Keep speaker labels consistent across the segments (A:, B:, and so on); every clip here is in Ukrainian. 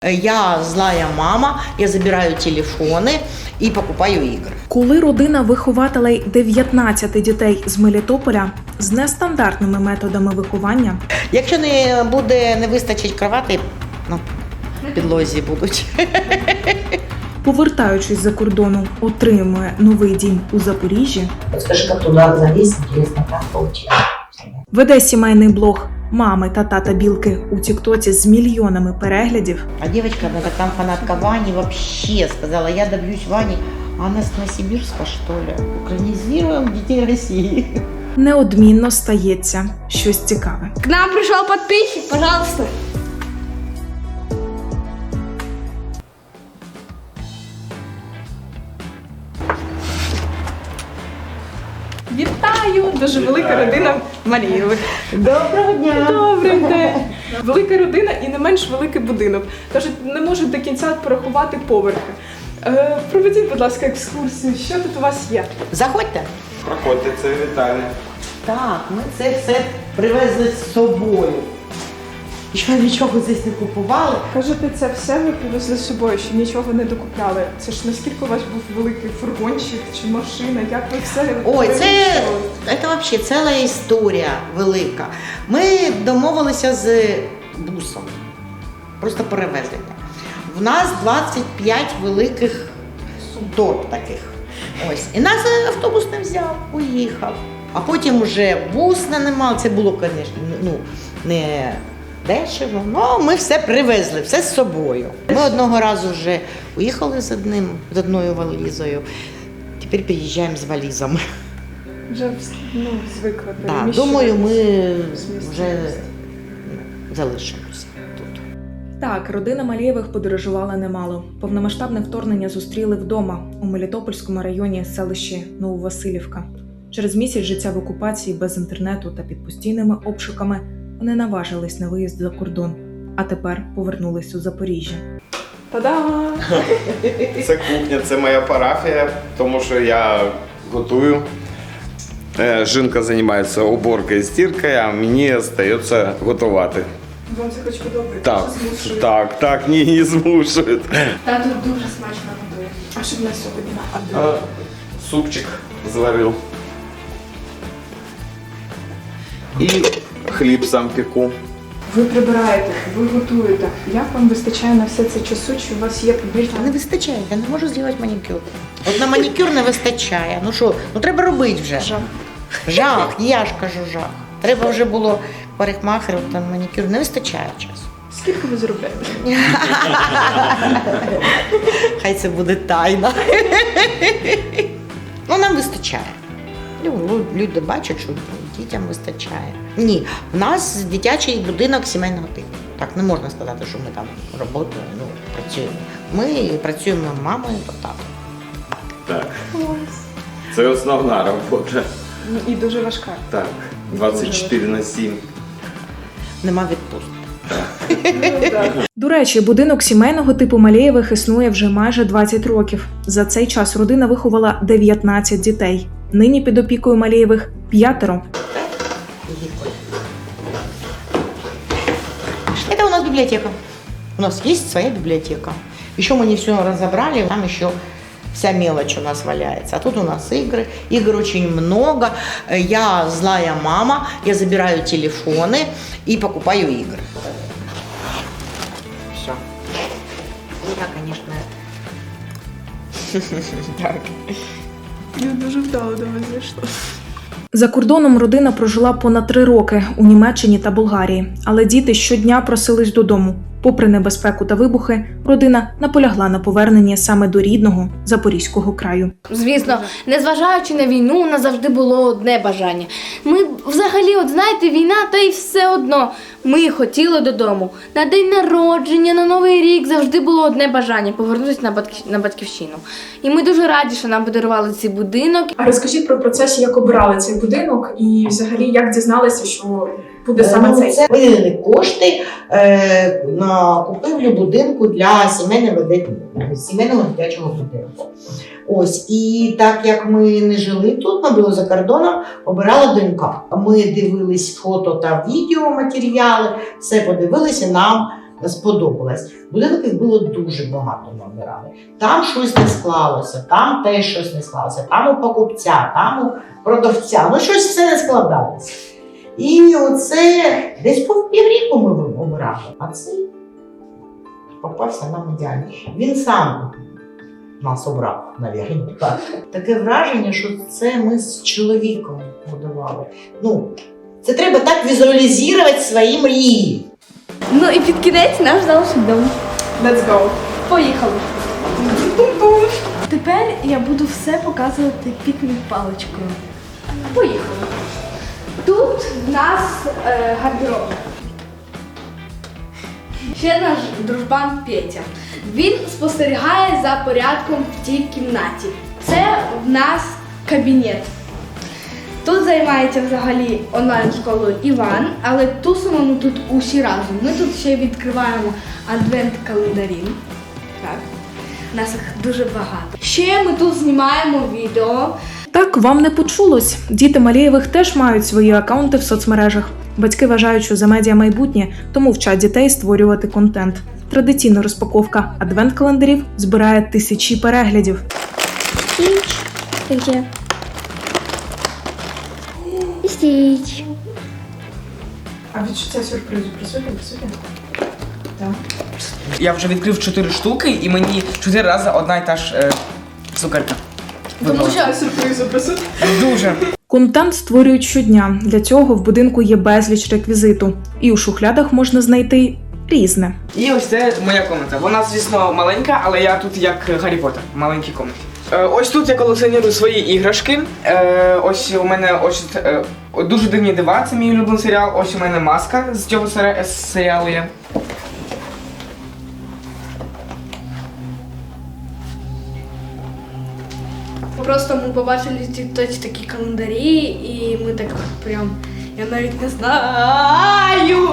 A: Я злая мама, я забираю телефони і покупаю ігри.
B: Коли родина вихователей 19 дітей з Мелітополя з нестандартними методами виховання,
A: Якщо не вистачить кровати, на підлозі будуть.
B: повертаючись за кордону, отримує новий дім у Запоріжжі,
C: Скажи, как туда залезть, интересно, как получилось.
B: веде сімейний блог мами та тата Білки у тіктоці з мільйонами переглядів,
A: А девочка, она там фанатка Вани, вообще сказала, я добьюсь Вани. А она с Новосибирска, что ли? Украинизируем детей России.
B: неодмінно стається щось цікаве.
D: К нам пришел подписчик, пожалуйста.
E: Вітаю! Дуже велика родина Марієвих.
A: Доброго дня!
E: Добрий день! Велика родина і не менш великий будинок. Кажуть, не можуть до кінця порахувати поверхи. Проведіть, будь ласка, екскурсію. Що тут у вас є?
A: Заходьте.
F: Проходьте, це вітальня.
A: Так, ми це все привезли з собою. Ще нічого здесь не купували.
E: Кажете, це все ви привезли з собою, що нічого не докупляли. Це ж наскільки у вас був великий фургончик чи машина? Як ви все
A: Ой, це
E: переміщували?
A: взагалі ціла історія велика. Ми домовилися з бусом, просто перевезення. В нас 25 великих торб таких. Ось. І нас автобус не взяв, уїхав. А потім вже бус нанимав. Це було, звісно, не дешево, але ми все привезли, все з собою. Ми одного разу вже уїхали з одною валізою, тепер приїжджаємо з валізами.
E: Вже звикли
A: Да,
E: переміщуватись.
A: думаю, ми
E: з місця
A: вже
E: в місце.
A: залишимося тут.
B: Так, родина Малієвих подорожувала немало. Повномасштабне вторгнення зустріли вдома у Мелітопольському районі селищі Нововасилівка. Через місяць життя в окупації без інтернету та під постійними обшуками вони наважились на виїзд за кордон, а тепер повернулись у Запоріжжя.
E: Та-дам!
F: Це кухня, це моя парафія, тому що я готую. Жінка займається уборкою і стіркою, а мені залишається готувати.
E: Вам це хоч подобається?
F: Так,
E: Чи змушує?
F: так, ні, не змушують.
D: Тато дуже смачно готує.
E: А що в нас сьогодні?
F: Супчик зварив. І хліб сам пеку.
E: Ви прибираєте, ви готуєте. Як вам вистачає на все це часу? Чи у вас є побільше?
A: Не вистачає, я не можу зробити манікюр. От на манікюр не вистачає. Ну що, треба робити вже. Жах, я ж кажу жах. Треба вже було парикмахеру, там манікюр, не вистачає часу.
E: Скільки ви заробляєте?
A: Хай це буде тайна. Ну, нам вистачає. Люди бачать, що дітям вистачає. Ні, в нас дитячий будинок сімейного типу. Так, не можна сказати, що ми там працюємо. Ми працюємо мамою та татом.
F: Так. Це основна робота.
E: І дуже важка.
F: Так, 24/7.
A: Нема відпустки.
B: До речі, будинок сімейного типу Малієвих існує вже майже 20 років. За цей час родина виховала 19 дітей. Нині під опікою Малієвих 5.
A: Это у нас библиотека. У нас есть своя библиотека. Еще мы не все разобрали, там еще вся мелочь у нас валяется. А тут у нас игры. Игр очень много. Я злая мама, я забираю телефоны и покупаю игры. Все. Я, конечно... Так.
E: Я дуже вдало до вас зайшла.
B: За кордоном родина прожила понад 3 роки у Німеччині та Болгарії, але діти щодня просились додому. Попри небезпеку та вибухи, родина наполягла на поверненні саме до рідного Запорізького краю.
D: Звісно, незважаючи на війну, у нас завжди було одне бажання. Ми взагалі, от знаєте, війна, та й все одно. Ми хотіли додому. На день народження, на Новий рік завжди було одне бажання – повернутися на батьківщину. І ми дуже раді, що нам подарували цей будинок.
E: А розкажіть про процес, як обирали цей будинок і взагалі як дізналися, що буде саме цей?
A: Це виділені кошти на купівлю будинку для сімейного дитячого будинку. Ось, і так як ми не жили тут, ми були за кордоном, обирала донька. Ми дивились фото та відеоматеріали, все подивилися, нам сподобалась. Будинків було дуже багато ми обирали. Там щось не склалося, там теж щось не склалося, там у покупця, там у продавця. Ну щось все не складалося. І оце десь по півріку ми обирали. А цей попався нам ідеальний. Він сам нас обрав, навірно. Таке враження, що це ми з чоловіком будували. Ну, це треба так візуалізувати свої мрії.
D: Ну і під кінець наш залишить дом.
E: Let's go.
D: Поїхали. Тепер я буду все показувати пікнік-паличкою. Поїхали. Тут в нас гардероб. Ще наш дружбан Петя. Він спостерігає за порядком в тій кімнаті. Це в нас кабінет. Тут займається взагалі онлайн-школою Іван, але тусимо ми тут усі разом. Ми тут ще відкриваємо адвент-календарі. Так. Нас їх дуже багато. Ще ми тут знімаємо відео.
B: Так, вам не почулось. Діти Малєєвих теж мають свої акаунти в соцмережах. Батьки вважають, що за медіа майбутнє, тому вчать дітей створювати контент. Традиційна розпаковка адвент-календарів збирає тисячі переглядів.
D: Стіч. Стіч.
E: А відчуття сюрпризу присутні? Так.
G: Я вже відкрив 4 штуки і мені 4 рази одна і та ж цукерка.
E: Тому що сюрпризу присутні?
G: Дуже.
B: Контент створюють щодня. Для цього в будинку є безліч реквізиту. І у шухлядах можна знайти різне.
G: І ось це моя комната. Вона, звісно, маленька, але я тут як Гаррі Поттер, в маленькій комнаті. Ось тут я колекціоную свої іграшки. Ось у мене дуже дивні дива, це мій улюблений серіал. Ось у мене маска з цього серіалу є.
D: Просто ми побачили в тіктоці такі календарі, і ми так прям, я навіть не знаю.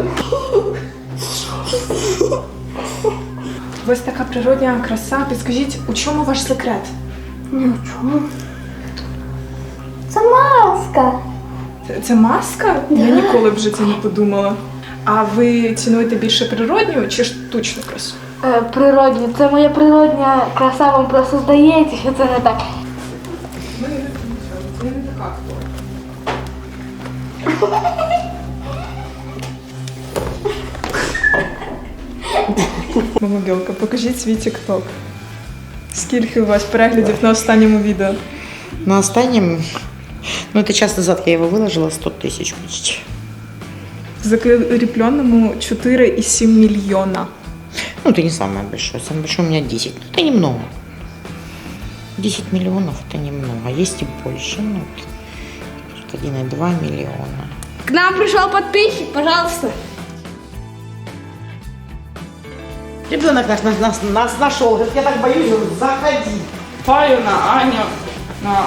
E: Ось така природня краса. Підскажіть, у чому ваш секрет?
D: Це маска.
E: Це маска? Я ніколи б в житті не подумала. А ви цінуєте більше природню чи штучну красу?
D: Природня. Це моя природня краса, вам просто здається, що це не так.
E: Це не така. Мама Білка, покажіть свій тік-ток. Скільки у вас переглядів на останньому відео?
A: На останнем, ну это час назад я его выложила, 100 тысяч почти.
E: В закрепленному 4,7 мільйона.
A: Ну, это не самое большое. Самое большое у меня 10. Ну, это немного. 10 миллионов это немного. Есть и больше. Ну, тут 1,2 миллиона.
D: К нам пришел подписчик, пожалуйста.
A: Ребенок нас нашел. Говорит, я так боюсь, говорит, заходи.
G: Паю на Аню, на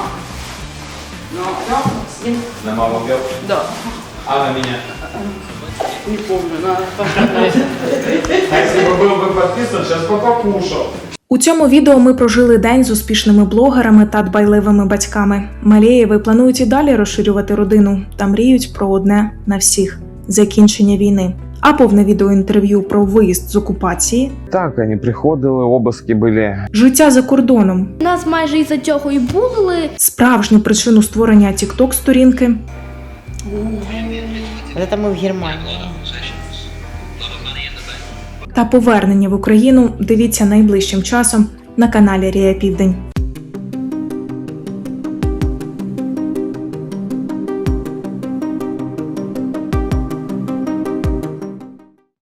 F: На маму бил?
G: Да.
F: А на меня?
G: Не помню, на
F: А если бы был бы подписан, сейчас бы покушал.
B: У цьому відео ми прожили день з успішними блогерами та дбайливими батьками. Малєєви планують і далі розширювати родину та мріють про одне на всіх – закінчення війни. А повне відеоінтерв'ю про виїзд з окупації,
F: Так, они приходили, обыски были.
B: життя за кордоном,
D: Нас майже із-за цього і булили.
B: справжню причину створення тікток-сторінки
A: Это мы в Германии.
B: та повернення в Україну дивіться найближчим часом на каналі Рія Південь.